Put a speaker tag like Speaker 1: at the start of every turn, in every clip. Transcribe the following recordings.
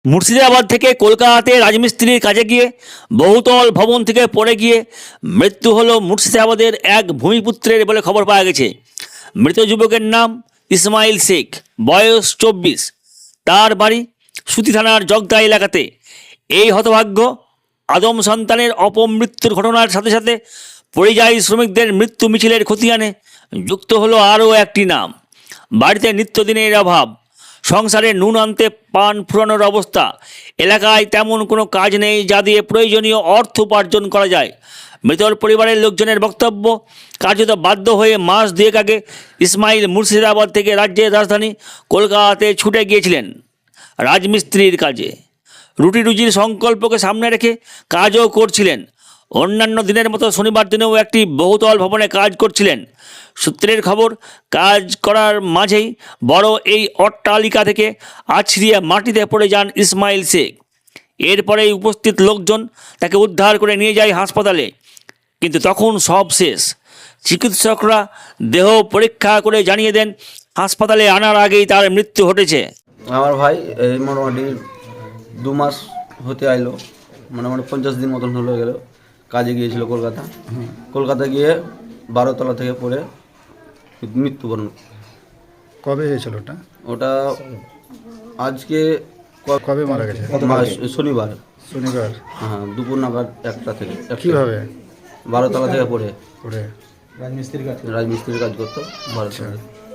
Speaker 1: মুর্শিদাবাদ থেকে কলকাতাতে রাজমিস্ত্রির কাজে গিয়ে বহুতল ভবন থেকে পড়ে গিয়ে মৃত্যু হলো মুর্শিদাবাদের এক ভূমিপুত্রের বলে খবর পাওয়া গেছে। মৃত যুবকের নাম ইসমাইল শেখ, বয়স 24। তার বাড়ি সুতি থানার জগদা এলাকাতে। এই হতভাগ্য আদম সন্তানের অপমৃত্যুর ঘটনার সাথে সাথে পরিযায়ী শ্রমিকদের মৃত্যু মিছিলের খতিয়ানে যুক্ত হলো আরও একটি নাম। বাড়িতে নিত্যদিনের অভাব, সংসারে নুন আনতে পান ফুরানোর অবস্থা, এলাকায় তেমন কোনো কাজ নেই যা দিয়ে প্রয়োজনীয় অর্থ উপার্জন করা যায়। মৃতর পরিবারের লোকজনের বক্তব্য, কার্যত বাধ্য হয়ে মাস দুয়েক আগে ইসমাইল মুর্শিদাবাদ থেকে রাজ্যের রাজধানী কলকাতাতে ছুটে গিয়েছিলেন রাজমিস্ত্রির কাজে। রুটি রুজির সংকল্পকে সামনে রেখে কাজও করছিলেন। অন্যান্য দিনের মতো শনিবার দিনেও একটি বহুতল ভবনে কাজ করছিলেন। সূত্রের খবর, কাজ করার মাঝেই বড় এই অট্টালিকা থেকে আছড়িয়ে মাটিতে পড়ে যান ইসমাইল শেখ। এরপরেই উপস্থিত লোকজন তাকে উদ্ধার করে নিয়ে যায় হাসপাতালে, কিন্তু তখন সব শেষ। চিকিৎসকরা দেহ পরীক্ষা করে জানিয়ে দেন হাসপাতালে আনার আগেই তার মৃত্যু ঘটেছে।
Speaker 2: আমার ভাই এই মোটামুটি 2 মাস হতে আইলো, মোটামুটি 50 দিন মতন হলো গেল। কাজে গিয়েছিল কলকাতা গিয়ে 12 তলা থেকে পড়ে মৃত্যুবরণ।
Speaker 3: কবে হয়েছিল ওটা?
Speaker 2: ওটা আজকে
Speaker 3: কবে মারা গেছে?
Speaker 2: শনিবার। হ্যাঁ, দুপুর নাগাদ 1টা থেকে।
Speaker 3: কিভাবে?
Speaker 2: 12 তলা থেকে পড়ে রাজমিস্ত্রির কাজ করতো 12 তলা।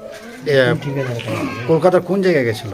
Speaker 3: কলকাতার কোন জায়গায় গেছিল?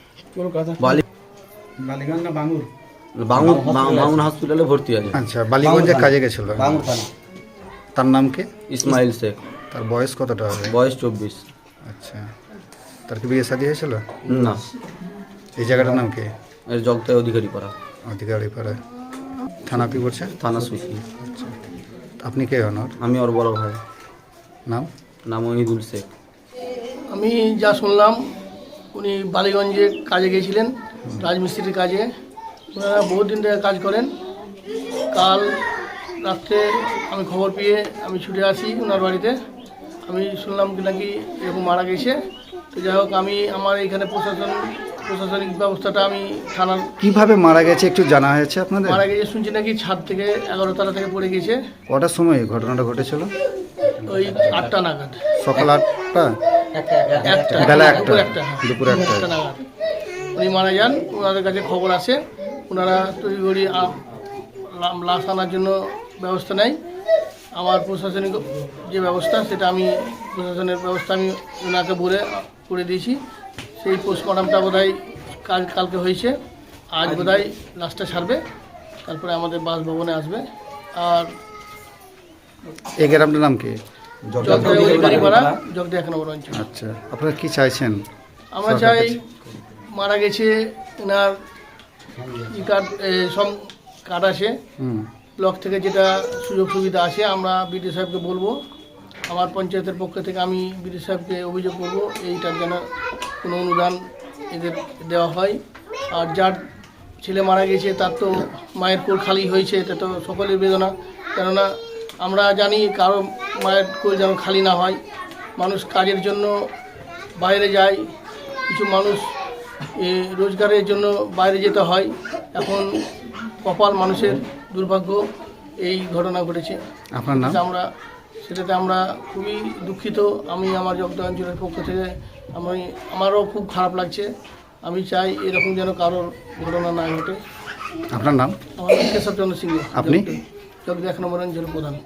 Speaker 4: বালিগঞ্জ না বাঙ্গুর?
Speaker 2: বাঙুর হসপিটালে ভর্তি আছে।
Speaker 3: আচ্ছা, বালিগঞ্জে কাজে গেছিল। তার নাম কি?
Speaker 2: ইসমাইল শেখ।
Speaker 3: তার বয়স কতটা হবে?
Speaker 2: বয়স 24।
Speaker 3: আচ্ছা, তার কি বিয়ে শাদী হয়েছিল?
Speaker 2: না।
Speaker 3: এই জায়গাটার নাম কি?
Speaker 2: এর জগতায় অধিকারী পাড়া।
Speaker 3: অধিকারী পাড়া। থানা কি করছে?
Speaker 2: থানা সুইকি।
Speaker 3: আচ্ছা, আপনি কে হন ওর?
Speaker 2: আমি ওর বড় ভাই।
Speaker 3: নাম?
Speaker 2: ওহিদুল শেখ।
Speaker 4: আমি যা শুনলাম, উনি বালিগঞ্জে কাজে গিয়েছিলেন, রাজমিস্ত্রির কাজে। ওনারা বহুত দিন থেকে কাজ করেন। কাল রাত্রে আমি খবর পেয়ে আমি ছুটে আসি ওনার বাড়িতে। আমি শুনলাম কি নাকি এরকম মারা গেছে। তো যাই হোক, আমি আমার এইখানে প্রশাসনিক ব্যবস্থাটা আমি থানার।
Speaker 3: কিভাবে মারা গেছে একটু জানা হয়েছে আপনাদের?
Speaker 4: মারা গেছে শুনছি নাকি ছাদ থেকে 11 তলা থেকে পড়ে গেছে।
Speaker 3: কটার সময় ঘটনাটা ঘটেছিল?
Speaker 4: ওই 8টা নাগাদ।
Speaker 3: সকাল 8টা?
Speaker 4: একটা
Speaker 3: বেলা 1টা?
Speaker 4: দুপুর 1টা নাগাদ উনি মারা যান। ওনাদের কাছে খবর আসে, ওনারা তড়িঘড়ি লাশ আনার জন্য ব্যবস্থা নেয়। আমার প্রশাসনিক যে ব্যবস্থা, সেটা আমি প্রশাসনের ব্যবস্থা আমি ওনাকে বলে করে দিয়েছি। সেই পোস্টমর্টমটা বোধহয় কালকে হয়েছে। আজ বোধহয় লাশটা ছাড়বে, তারপরে আমাদের বাসভবনে আসবে। আর
Speaker 3: এই গ্রামটার নাম কি?
Speaker 4: জগদা 1 নম্বর অঞ্চল।
Speaker 3: আচ্ছা, আপনারা কি চাইছেন?
Speaker 4: আমরা চাই মারা গেছে এনার সব কার্ড আছে, ব্লক থেকে যেটা সুযোগ সুবিধা আছে, আমরা বিডিও সাহেবকে বলবো। আমার পঞ্চায়েতের পক্ষ থেকে আমি বিডিও সাহেবকে অভিযোগ করবো এইটার যেন কোনো অনুদান এদের দেওয়া হয়। আর যার ছেলে মারা গেছে তার তো মায়ের কোল খালি হয়েছে, এটা তো সকলের বেদনা। কেননা আমরা জানি কারো মায়ের কোল যেন খালি না হয়। মানুষ কাজের জন্য বাইরে যায়, কিছু মানুষ রোজগারের জন্য বাইরে যেতে হয়। এখন কপাল মানুষের দুর্ভাগ্য, এই ঘটনা ঘটেছে।
Speaker 3: আপনার নাম?
Speaker 4: সেটাতে আমরা খুবই দুঃখিত। আমি আমার জগদা অঞ্চলের পক্ষ থেকে আমারও খুব খারাপ লাগছে। আমি চাই এরকম যেন কারোর ঘটনা না ঘটে।
Speaker 3: আপনার নাম?
Speaker 4: আমার নাম কেশবচন্দ্র সিংহ।
Speaker 3: আপনি?
Speaker 4: জগদা 1 নম্বর অঞ্চলের প্রধান।